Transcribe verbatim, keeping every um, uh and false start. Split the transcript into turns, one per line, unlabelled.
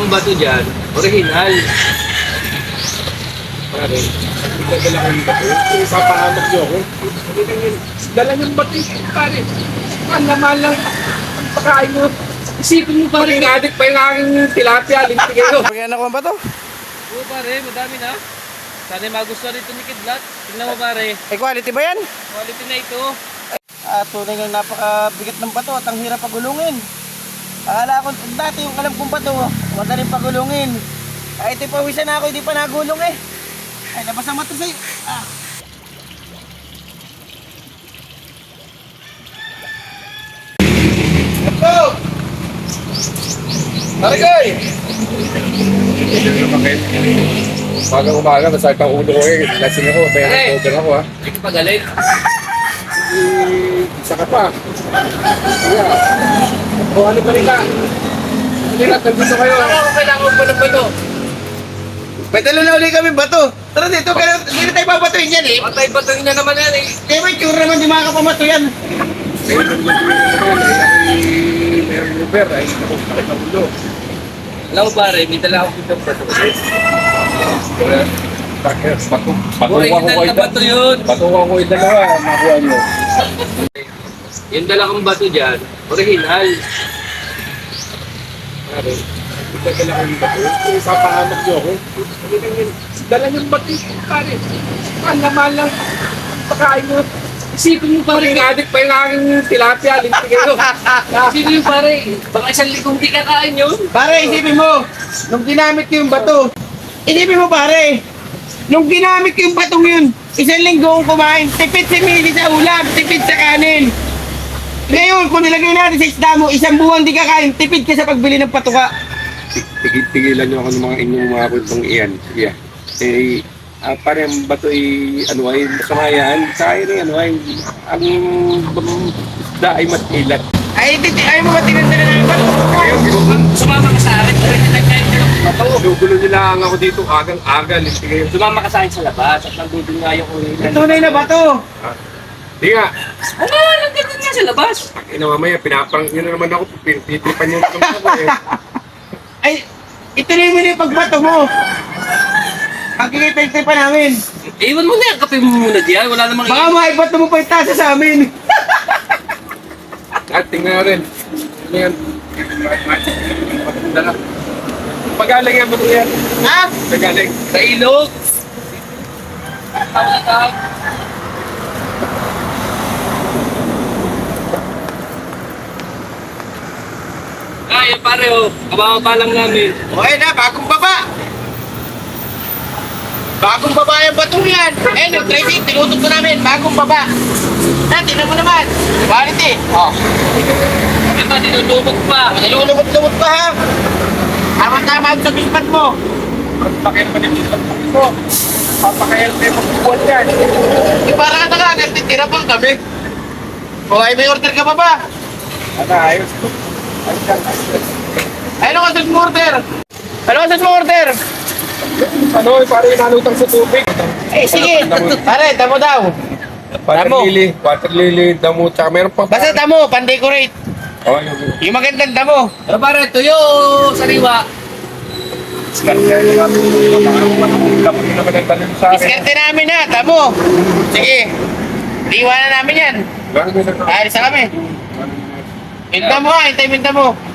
akong bato dyan, original.
Pare, nagdadala ko yung bato. Kung ipapahamak niyo ako, dala niyong bato yung pare. Malaman lang ang pagkain mo. Isipin mo pare, adik pa yung aking tilapia, linti kayo.
Pagyan ako ang bato.
Oo pare, madami na. Sana magustuhan nito ni Kidlat. Tingnan mo pare,
Ay, quality ba yan?
quality na ito.
Ah, tunay nga napakabigat ng bato at ang hirap pagulungin. Akala ko dati yung alam kong bato, madaling pagulungin. Ay, ito pawisan na ako, hindi pa nagulong eh. Ay, labas ang mata sa'yo. Ah. Bato!
Tarigay! Hindi na bakit. Umaga umaga, masakit ang ulo ko eh. Lasing ako, may
Hey!
hangover ako ha.
Hindi ka pagalit.
Eh, isa ka pa. Kaya, o ano pa rin ka? Hindi na, nandito kayo.
Ako ako kailangan pa ng bato.
May dala na ulit kami bato. Tara dito, pero hindi na tayo babatuin yan eh.
Patay batoin na naman yan eh.
Kaya may tsura naman, di makakapamato yan.
Meron yung naman, ay meron yung Uber, ay nakakit ang ulo.
Alam mo pare, may dala akong kitang bato.
Kaya, bakit? Batu, batuwa ko
Original
kayo.
na bato yun.
Batuwa ko yung dalawa, makuha nyo.
Yung dala kong bato dyan, original.
Pare, nagdadala ko yung bato. Kung ipapahamak niyo ako, dala niyong bato yung pare. Malaman lang ang pagkain mo. Isipin mo pare, adik pa yung aking tilapia, linti kayo.
Sino yung pare? Baka isang likong di kakain yun.
Pare, isipin mo, nung ginamit ko yung bato, isipin mo pare, nung ginamit ko yung batong yun, isang linggo akong kumain, tipid si Mili sa ulam, tipid sa kanin. Ngayon, kung nilagay natin sa isda mo, isang buwan di kakain, tipid ka sa pagbili ng patuka.
Tigil, tigilan niyo ako ng mga inyong mga kwentong iyan. Sige. Eh, ah, pare, ang bato ay, ano ay, masama yan. Sa akin ay, ano ay, ang bang- isda ay mas ilat.
Ay, titi, ayaw mo ba tinandala ng bato?
Sumama ka sa akin, pwede na kain ka ng bato.
Gugulo nila ang ako dito, agang-aga, linti kayo.
Sumama ka sa akin sa labas at nandun nga yung original.
Tunay na bato.
Di nga,
Ano, nandun nga sa labas.
ina mamaya, pinaparang nyo na naman ako, pinitipan nyo na naman ako eh.
Ay, ituloy mo na yung pagbato mo. Pagkikipagtay pa namin.
Iwan mo na yan, kape mo muna diyan. Wala namang
Baka maibato mo pa yung tasa sa amin.
At tingnan na rin. Ano yan? Dala. Pagaling yan, bato yan.
Ha?
Pagaling.
sa ilog. Tawag na tawag. Ay, pare oh, kababa lang namin.
Okay na, bagong baba. Bagong baba yung batong yan. Eh, nag-tracing, tinutok na namin. Bagong baba. Na, tinan mo naman. Quality. Oh.
Di ba, tinutubog pa.
Nalulubot-lubot pa ha. Tama-tama ang sabihan mo.
Pakil pa din dito. Ito. Papakayal kayo magbubuan yan.
Di para ka na nagtitira pang kami. O ay, may order ka pa ba?
Ano, ayos. Ayos yan.
Ay, ano ka mo order? Ano ka mo order?
Ano, pare, nalutang sa tubig.
Eh, sige. Pare, damo daw.
Water
Damo.
lily, water lily, damo, tsaka meron pa.
Basta damo, pan-decorate.
Oh, yung
Yung magandang damo.
Pero pare, tuyo, sariwa.
diskarte na natin. Dapat na naman ang tanong sa akin.
Diskarte namin na, damo. Sige. Iwanan namin yan.
Gano'n na
Alis na kami. Yung damo ha, hintay mo yung damo.